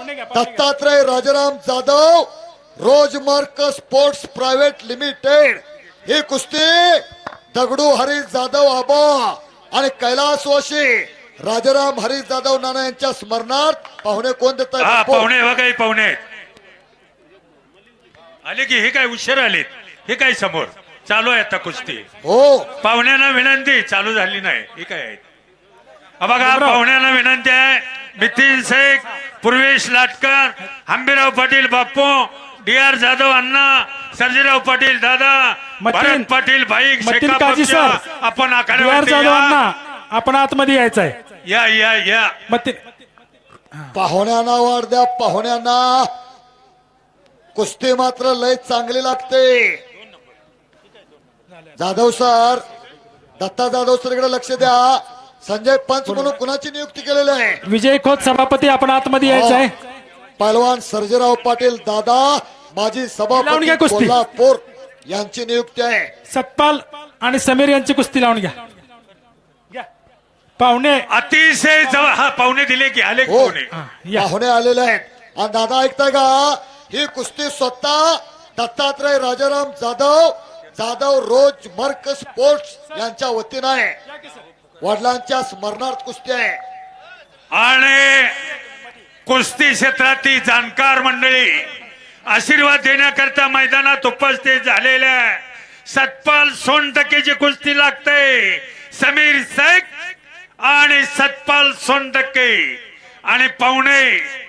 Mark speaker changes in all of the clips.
Speaker 1: दत्तात्रय राजाराम जाधव रोजमार्क sports private limited ही कुस्ती दगडू हरी जाधव आबा आणि कैलासवासी राजाराम हरी जाधव नाना यांच्या स्मरणार्थ पाहुणे कोण देत आहेत?
Speaker 2: पाहुणे बघा, पाहुणे आले की हे काय उशीर आलेत, हे काय समोर चालू आहे आता कुस्ती.
Speaker 1: हो
Speaker 2: पाहुण्यांना विनंती, चालू झाली नाही हे काय आहे. बघा पाहुण्यांना विनंती आहे, नितीन शेख, पूर्वेश लाटकर, हंबीराव पाटील बाप्पू, डी.आर. जाधव अण्णा, सर्जेराव पाटील दादा, भरत पाटील भाई, आपण आखाड्यावरती
Speaker 3: आपण आतमध्ये यायचं आहे.
Speaker 2: या या या
Speaker 1: पाहुण्यांना वाढ द्या. पाहुण्यांना कुस्ती मात्र लय चांगली लागते. जाधव सर, दत्ता जाधव सर इकडे लक्ष द्या. संजय पंच म्हणून कुणाची नियुक्ती केलेली आहे?
Speaker 3: विजय खोत सभापती, आपण आतमध्ये यायचं आहे.
Speaker 1: पहलवान सर्जेराव पाटील दादा, माजी सभापती कोल्हापूर यांची नियुक्ती आहे.
Speaker 3: सतपाल आणि समीर यांची कुस्ती लावून घ्या. पाहुणे
Speaker 2: अतिशय पाहुणे दिले की आले
Speaker 1: हो,
Speaker 2: पाहुणे
Speaker 1: पाहुणे आलेले आहेत. आणि दादा ऐकताय का? ही कुस्ती स्वतः दत्तात्रय राजाराम जाधव जाधव रोज मर्क स्पोर्ट्स यांच्या वतीनं आहे. वडिलांच्या स्मरणार्थ कुस्ती आहे.
Speaker 2: आणि कुस्ती क्षेत्रातील जाणकार मंडळी आशीर्वाद देण्याकरता मैदानात उपस्थित झालेल्या सतपाल सोनटक्केची कुस्ती लागते. समीर शेख आणि सतपाल सोनटक्के आणि पाहुणे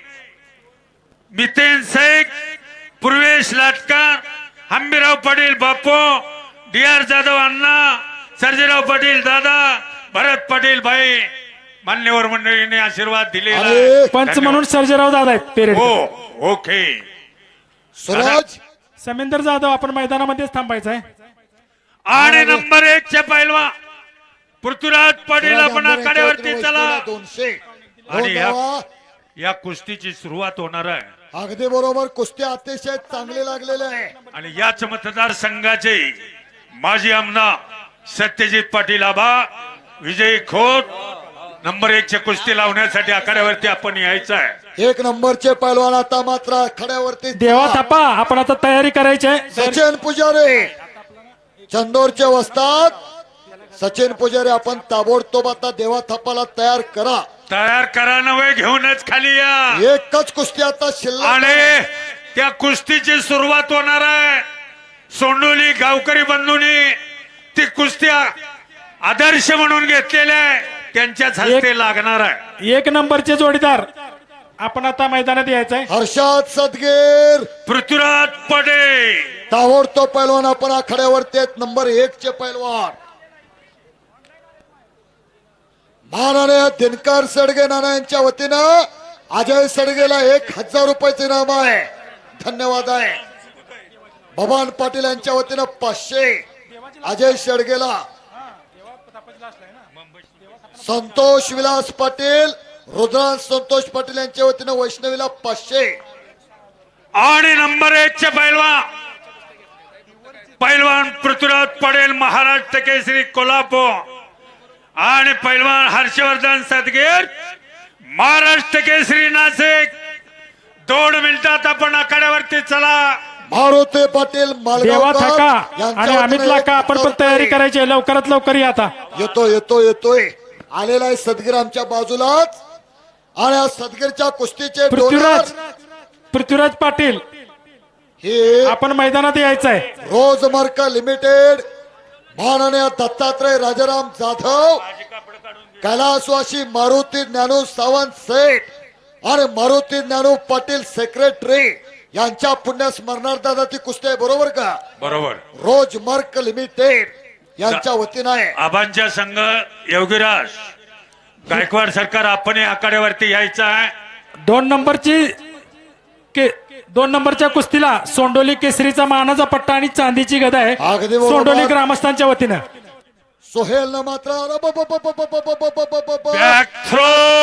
Speaker 2: नितीन शेख, पूर्वेश लाटकर, हंबीराव पाटील बाप्पू, डी.आर. जाधव अण्णा, सर्जेराव पाटील दादा, भरत पाटील भाई, मान्यवर मंडळीने आशीर्वाद दिलेला.
Speaker 3: पंच म्हणून सर्जेराव दादा आहेत पेरेड.
Speaker 2: हो ओके.
Speaker 1: सूरज
Speaker 3: समेंदर जाधव, आपण मैदानामध्येच थांबायचं आहे.
Speaker 2: आणि नंबर 1 चे पैलवान पृथ्वीराज पाटील, आपण आखाड्यावरती चला.
Speaker 1: 200
Speaker 2: आणि या कुस्तीची सुरुवात होणार आहे.
Speaker 1: अगदी बरोबर. कुस्ती अतिशय चांगली लागलेली आहे.
Speaker 2: आणि याच मतदारसंघाचे माजी आमदार सत्यजित पाटील आबा, विजय खोत, नंबर 1 चे कुस्ती लावण्यासाठी आखाड्यावरती आपण यायचं आहे.
Speaker 1: 1 नंबरचे पैलवान आता मात्र आखाड्यावरती.
Speaker 3: देवा थापा, आपण आता तयारी करायची आहे.
Speaker 1: सचिन पुजारी चंदोरचे वस्ताद सचिन पुजारी, आपण ताबडतोब आता देवा थापाला तयार करा
Speaker 2: नव्हे, घेऊनच खाली या.
Speaker 1: एकच कुस्ती आता शिल्लक.
Speaker 2: आणि त्या कुस्तीची सुरुवात होणार आहे. सोंडोली गावकरी बंधूंनी ती कुस्ती आदर्श म्हणून घेतलेल्या आहे, त्यांच्याच हस्ते लागणार आहे.
Speaker 3: 1 नंबरचे जोडीदार, आपण आता मैदानात यायचं आहे.
Speaker 1: हर्षद सदगीर,
Speaker 2: पृथ्वीराज पटेल,
Speaker 1: ताबडतोब पैलवान आपण आखाड्यावरती आहेत. नंबर 1 चे पैलवान माननीय दिनकर सडगे नाना यांच्या वतीनं अजय सडगेला 1000 रुपयाचे इनाम आहे. धन्यवाद आहे. भवान पाटील यांच्या वतीनं 500 अजय सडगेला. संतोष विलास पाटील, रुद्रांश संतोष पाटील यांच्या वतीनं वैष्णवीला 500.
Speaker 2: आणि नंबर 1 चे पैलवान पृथ्वीराज पटेल, महाराष्ट्र केसरी कोल्हापूर, आणि पैलवान हर्षवर्धन सदगीर, महाराष्ट्र केसरी नाशिक. 2 मिनिटात आपण आखाड्यावरती चला.
Speaker 1: मारुती पाटील
Speaker 3: देवा थाका आणि अमित लाका, आपण पण तयारी करायची आहे. लवकरात लवकर या. आता
Speaker 1: येतोय आलेला आहे सदगीर आमच्या बाजूलाच. आणि सदगीरच्या कुस्तीचे
Speaker 3: पृथ्वीराज पाटील,
Speaker 1: हे
Speaker 3: आपण मैदानात यायचं आहे.
Speaker 1: रोजमार्क लिमिटेड, माननीय दत्तात्रय राजाराम जाधव, कैलासवासी मारुती ज्ञानू सावंत सेठ आणि मारुती ज्ञानू पाटील सेक्रेटरी यांच्या पुण्य स्मरणार्थ ती कुस्ती आहे. बरोबर का?
Speaker 2: बरोबर.
Speaker 1: रोजमार्क लिमिटेड यांच्या वतीनं आहे.
Speaker 2: आबांच्या संघ योगीराज गायकवाड सरकार, आपण आखाड्यावरती यायचं आहे.
Speaker 3: 2 नंबरच्या कुस्तीला सोंडोली केसरीचा मानाचा पट्टा आणि चांदीची गदा आहे. सोंडोली ग्रामस्थांच्या वतीनं.
Speaker 1: सोहेल न मात्र
Speaker 2: बॅक थ्रो,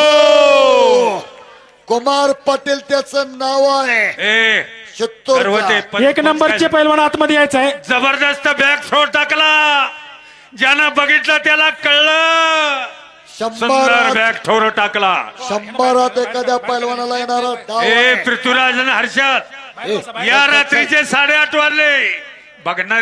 Speaker 1: कुमार पाटील त्याचं नाव आहे.
Speaker 3: 1 नंबरचे पैलवान आतमध्ये यायचं आहे.
Speaker 2: जबरदस्त बॅक थ्रो टाकला, ज्यानं बघितलं त्याला कळलं. सुंदर बॅग ठोर टाकला.
Speaker 1: 100 एखाद्या पैलवानाला येणारा डाव
Speaker 2: ए
Speaker 1: आहे.
Speaker 2: पृथ्वीराज आणि हर्षद या रात्रीचे 8:30 वाजले. बघणार